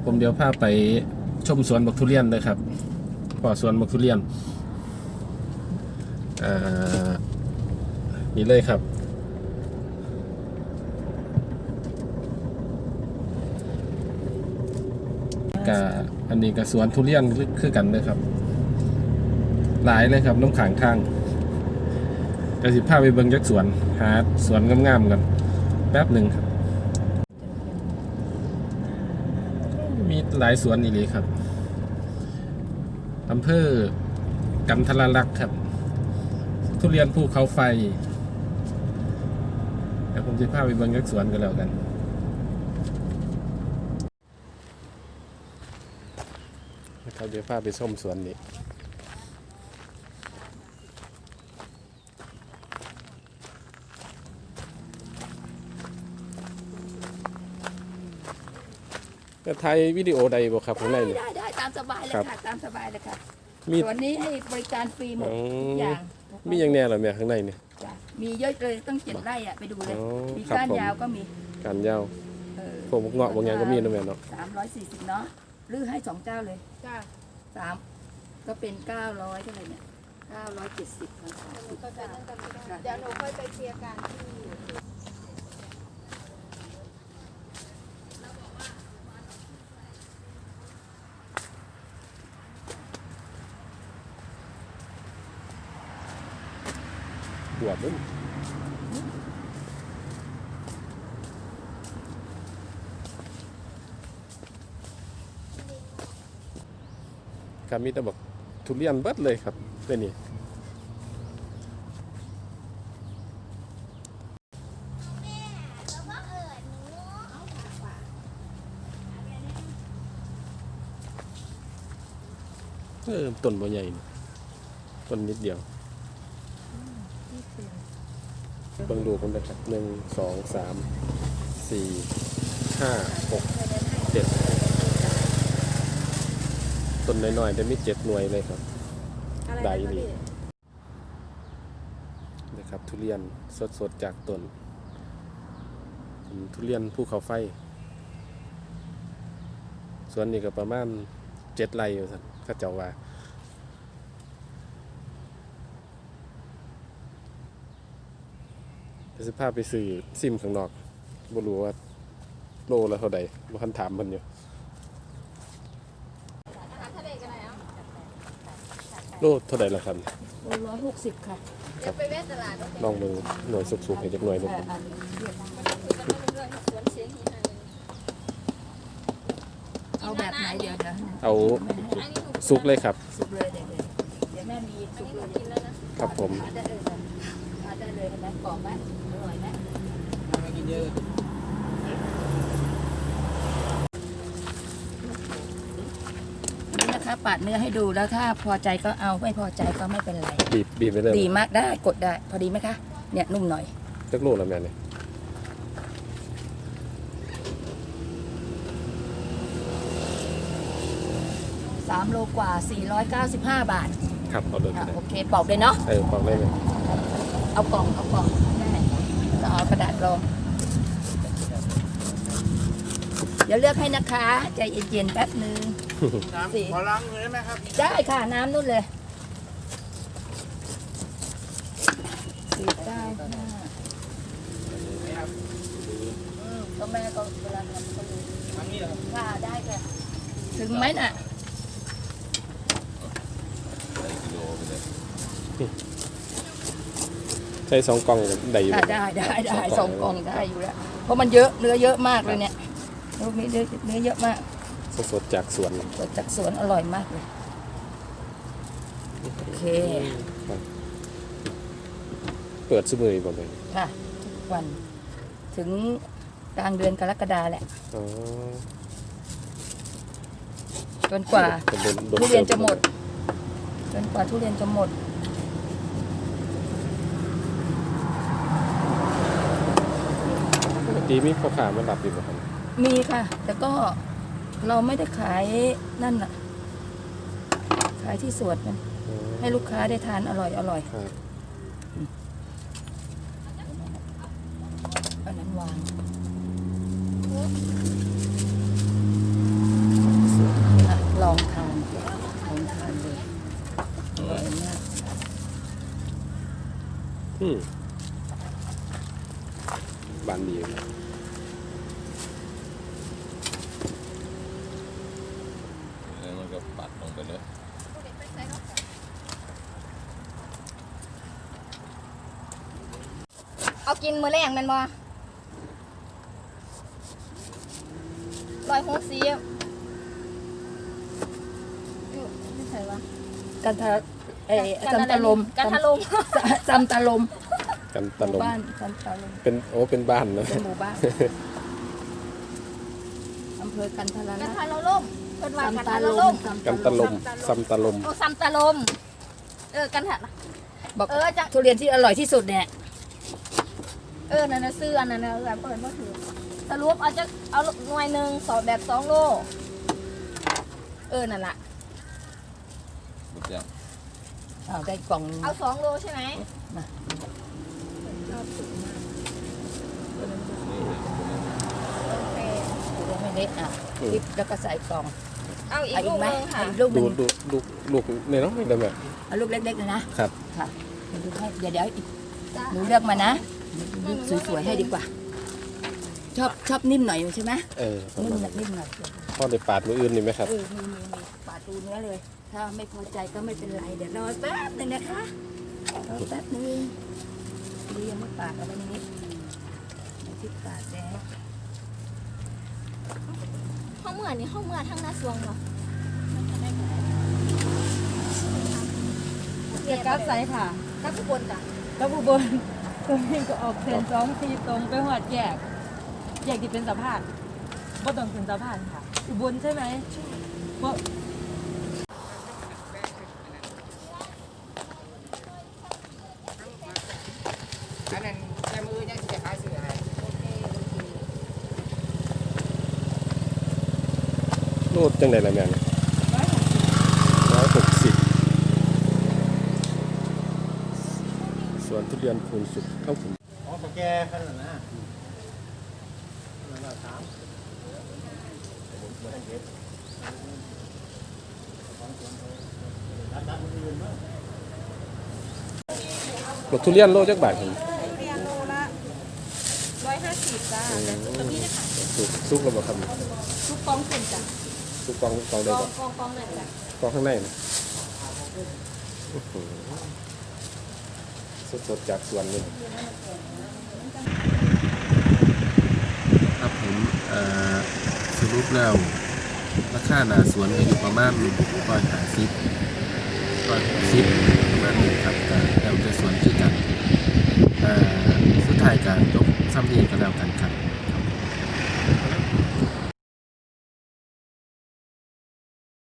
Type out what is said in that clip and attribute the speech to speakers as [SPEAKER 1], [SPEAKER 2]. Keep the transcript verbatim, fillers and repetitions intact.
[SPEAKER 1] ผมเดี๋ยวพาไปชมสวนบักทุเรียนเลยครับป่อสวนบักทุเรียนอ่านี่เลยครับกะอันนี้กับสวนทุเรียนคือกันเลยครับหลายเลยครับน้ำขังทางกระสิพาไปเบิ่งยักสวนหาสวนงามๆกันแป๊บหนึ่งครับมีหลายสวนอีกเลยครับอำเภอกันทรลักษณ์ครับทุเรียนภูเขาไฟเดี๋ยวผมจะพาไปเบิ่งยักสวนกันแล้วกันเขาจะพาไปชมสวนนี้จะถ่ายวิดีโอใดบ่ครับข้างในนี่
[SPEAKER 2] ได้ได้ตามสบายเลยค่ะตามสบายเลยค่ะ
[SPEAKER 1] มี
[SPEAKER 2] ส่วนนี้ให้บริการฟรีหมดทุกอย่าง
[SPEAKER 1] มีอย่างแน่เหรอแม่ข้างในนี่
[SPEAKER 2] จ้ะมีเยอะเลยต้องเจ็ดไร่อ่ะไปดูเลย
[SPEAKER 1] อ๋อ
[SPEAKER 2] มี
[SPEAKER 1] ครับ
[SPEAKER 2] ก้าน
[SPEAKER 1] ผม
[SPEAKER 2] ยาวก็มี
[SPEAKER 1] การยาว
[SPEAKER 2] เออ
[SPEAKER 1] พวกเงาะบางอย่างก็มีนะแม่เนาะ
[SPEAKER 2] สามร้อยสี่สิบเนาะหรือให้สองเจ้าเลย
[SPEAKER 3] จ้า
[SPEAKER 2] สามก็เป็นเก้าร้อยเท่าไหร่เนี่ยเก้าร้อยเจ็ดสิบพันสาม
[SPEAKER 3] หนู
[SPEAKER 2] สิบ
[SPEAKER 3] ก็ไปนั่งกันไม่ได้เดี๋ยวหนูค่อยไปเคลียร์กันที่
[SPEAKER 1] บวบมันครับมีแต่บอกทุเรียนเบิดเลยครับเป็นนี่เออต้นบ่ใหญ่นี่ต้นนิดเดียวเบิ่งดูกันนะครับหนึ่งสองสามสี่ห้าหกเจ็ดต้นน้อยๆแต่มีเจ็ดหน่วยเลยครับได้นี่นะครับทุเรียนสดๆจากต้นทุเรียนภูเขาไฟสวนนี้ก็ประมาณเจ็ดไร่อยู่ครับข้าเจ้าว่าจะพาไปซื้อซิมข้างนอกบ่รู้ว่าโลละเท่าใดบ่ทันถามมันอยู่โลเท่าใดล่ะครับ
[SPEAKER 2] ร้อยหกสิบค่ะ
[SPEAKER 3] เดี๋ยวไปเวทตลาด
[SPEAKER 1] ลองมือหน่วยสุกๆให้จักหน่วยหนึง
[SPEAKER 2] แต่อันเรียกเอาแบบไหนเดี๋ยวเดี๋ยว
[SPEAKER 1] เอาสุกเลยครับ
[SPEAKER 2] สุกเลยเดี๋ยวเดี๋ยวเดี๋ยวแม่มีสุกเลยเดี๋ยว
[SPEAKER 1] ครับผม
[SPEAKER 2] ทานได้เลยทานได้เลยเห็นไหมกรอบไหมอร่อยไหมนี่นะคะปาดเนื้อให้ดูแล้วถ้าพอใจก็เอาไม่พอใจก็ไม่เป็นไร
[SPEAKER 1] บีบบีบไปเลย
[SPEAKER 2] ดีมากได้กดได้พอดีไหมคะเนี่ยนุ่มหน่อย
[SPEAKER 1] จักโลละแม่นี่
[SPEAKER 2] สามโลกว่าสี่ร้อยเก้าสิบห้าบาท
[SPEAKER 1] ครับเอาเลย
[SPEAKER 2] อ่ะ
[SPEAKER 1] ก็ได้
[SPEAKER 2] โอเคปอกเลยเนาะ
[SPEAKER 1] เออฟังได้ไหม
[SPEAKER 2] เอากล่องเอากล่องได้ก็เอากระดาษรองเดี๋ยวเลือกให้นะคะใจเย็นๆแป๊บนึง
[SPEAKER 4] น้ำขอล้างมือได้ไหมครับ
[SPEAKER 2] ได้ค่ะน้ำนู่นเลยสี่เก้าห้าก็แม่ก็เวลาทำก็รู้
[SPEAKER 4] ทางนี้เหรอครับ
[SPEAKER 2] ค่ะได้ค่ะถึงไหมน่ะ
[SPEAKER 1] ใช้สองกล่องได้อยู่
[SPEAKER 2] อ่ะได้ได้ได้สองกล่องได้อยู่แล้วเพราะมันเยอะเนื้อเยอะมากเลยเนี่ยลูกนี้เนื้อเนื้อเยอะมาก
[SPEAKER 1] สดๆจากสวน
[SPEAKER 2] สดจากสวนอร่อยมากเลยโอเค
[SPEAKER 1] เปิดซุมือบ่เลย
[SPEAKER 2] ค่ะทุกวันถึงกลางเดือนกรกฎาแหละ
[SPEAKER 1] อ๋อ
[SPEAKER 2] จนกว่า
[SPEAKER 1] เป็นโดน
[SPEAKER 2] ทุเรียนจะหมดจนกว่าทุเรียนจะหมด
[SPEAKER 1] ปกติมีพ่อค้ามารับอยู่บ่ครับ
[SPEAKER 2] มีค่ะ แต่ก็เราไม่ได้ขายนั่นน่ะ ขายที่สวนมัน
[SPEAKER 1] อ๋อ
[SPEAKER 2] ให้ลูกค้าได้ทานอร่อยอร่อย
[SPEAKER 1] ครับ
[SPEAKER 2] อันนั้นวาง
[SPEAKER 1] มบานดีแล้วมันก็ปัดลงไปเลย
[SPEAKER 3] เอากินมื้อแรงแมันบ่ร้อยหกสิบอยู่ไม่ใช่วะ
[SPEAKER 2] กันทะเอ่อซัมตะลม
[SPEAKER 3] กันทะลม
[SPEAKER 2] ซัมตะลม
[SPEAKER 1] กัน
[SPEAKER 2] ห
[SPEAKER 1] ตะล
[SPEAKER 2] มู่
[SPEAKER 1] ม
[SPEAKER 2] บ้านซัมตะลม
[SPEAKER 1] เป็นโอ้เป็นบ้านนะ
[SPEAKER 2] เป็นหมู่บ้านอำเภอกันทร
[SPEAKER 3] กัน
[SPEAKER 2] ลักษ
[SPEAKER 3] ทะ
[SPEAKER 2] ณ์
[SPEAKER 3] ลมเพิ่นว่า
[SPEAKER 2] ซัม
[SPEAKER 3] กัน
[SPEAKER 2] ตะ
[SPEAKER 3] ทะ
[SPEAKER 2] ล
[SPEAKER 3] ล
[SPEAKER 2] ม
[SPEAKER 3] ม
[SPEAKER 1] กันตะลมซัมตะลม
[SPEAKER 3] โอ้ซัมตะลมเออกันทะ
[SPEAKER 2] บอก
[SPEAKER 3] เออจะ
[SPEAKER 2] ทุเรียนที่อร่อยที่สุดเนี่ย
[SPEAKER 3] เออนั่นน่ะซื้ออันนั้นน่ะเออเปิดบ่ถือสรุปเอาจะเอาหน่วยหนึงสอบแบบสองโลเออนั่นล่ะ
[SPEAKER 2] อ้าวได้กล่อง
[SPEAKER 3] เอาสองโลใช่ไหม
[SPEAKER 2] ชอบสุดมาก
[SPEAKER 3] โอเค
[SPEAKER 2] ทุเรียนไม่เล็กอ่ะพริกแล้วก็ใส่กล่อง
[SPEAKER 3] เอาอีก
[SPEAKER 2] เอา
[SPEAKER 3] ลู
[SPEAKER 2] อีก
[SPEAKER 3] ก
[SPEAKER 2] ไหม
[SPEAKER 3] นึงค่ะ
[SPEAKER 2] เอาอีกลูกห
[SPEAKER 1] ดู
[SPEAKER 2] นึ่ง
[SPEAKER 1] ดูลูกลูกในน้องได้ไหม
[SPEAKER 2] เอาลูกเล็กๆเลยนะครับ ค่ะเดี๋ยวดูให้เดี๋ยวเดี๋ยวอีก
[SPEAKER 3] จ้ะ
[SPEAKER 2] หนูเลือกมานะลูกสวยๆให้ดีกว่า ชอบชอบนิ่มหน่อยใช่ไหม
[SPEAKER 1] เออประ
[SPEAKER 2] นิ่ม
[SPEAKER 1] มาณ
[SPEAKER 2] หน่อยนิ่มหน่อย
[SPEAKER 1] พ่อได้ปาดมืออื่นนี่ไหมครับ
[SPEAKER 2] เออมีมีมีปาดดูเนื้อเลย ถ้าไม่พอใจก็ไม่เป็นไรเดี๋ยวรอแป๊บหนึงนะคะรอแป๊บหนึงดียังไม่ปาดเอาไว้ในนี้ไม่ที่ปาดแล้ว
[SPEAKER 3] ห้องเมื่อนี่ห้องเมื่อทั้งหน้าสวงเหรอ
[SPEAKER 5] เกียรกับไซค่ะ
[SPEAKER 3] กับทุกคนจ้ะ
[SPEAKER 5] แล้วอุบลตรงนี้ก็ออกเส้นสองทีตรงไปหอดแยก แยกที่เป็นสะพานบ่ต้องถึงสะพานค่ะ อุบลใช่ไหมบ่
[SPEAKER 4] อันนั้นแค่มือยังจะขายซื้ออะไร
[SPEAKER 1] โลดจังไดล่ะแม่เนี่ยร้อยหกสิบสวนทุเรียนคูณสุขเข้าผม
[SPEAKER 4] อ๋อแกขนาดนั้น
[SPEAKER 1] รถทุเรียนโลจักบาทครับ
[SPEAKER 5] เรียนโลละร้อยห้าสิบจ้าแต่ตัวนี้นะคะ
[SPEAKER 1] สุกสุกแล้วบ่ครับ
[SPEAKER 5] ทุกกองเส้นจ้ะ
[SPEAKER 1] สุกกองกองใด
[SPEAKER 5] กอง
[SPEAKER 1] ก่อน
[SPEAKER 5] กองกองนั่นจ้ะ
[SPEAKER 1] กองข้างในนะสดๆจากสวนเลยครับผมเอ่อสรุปแล้วราคาหน้าสวนก็อยู่ประมาณร้อยห้าสิบร้อยหกสิบประมาณนี้ครับ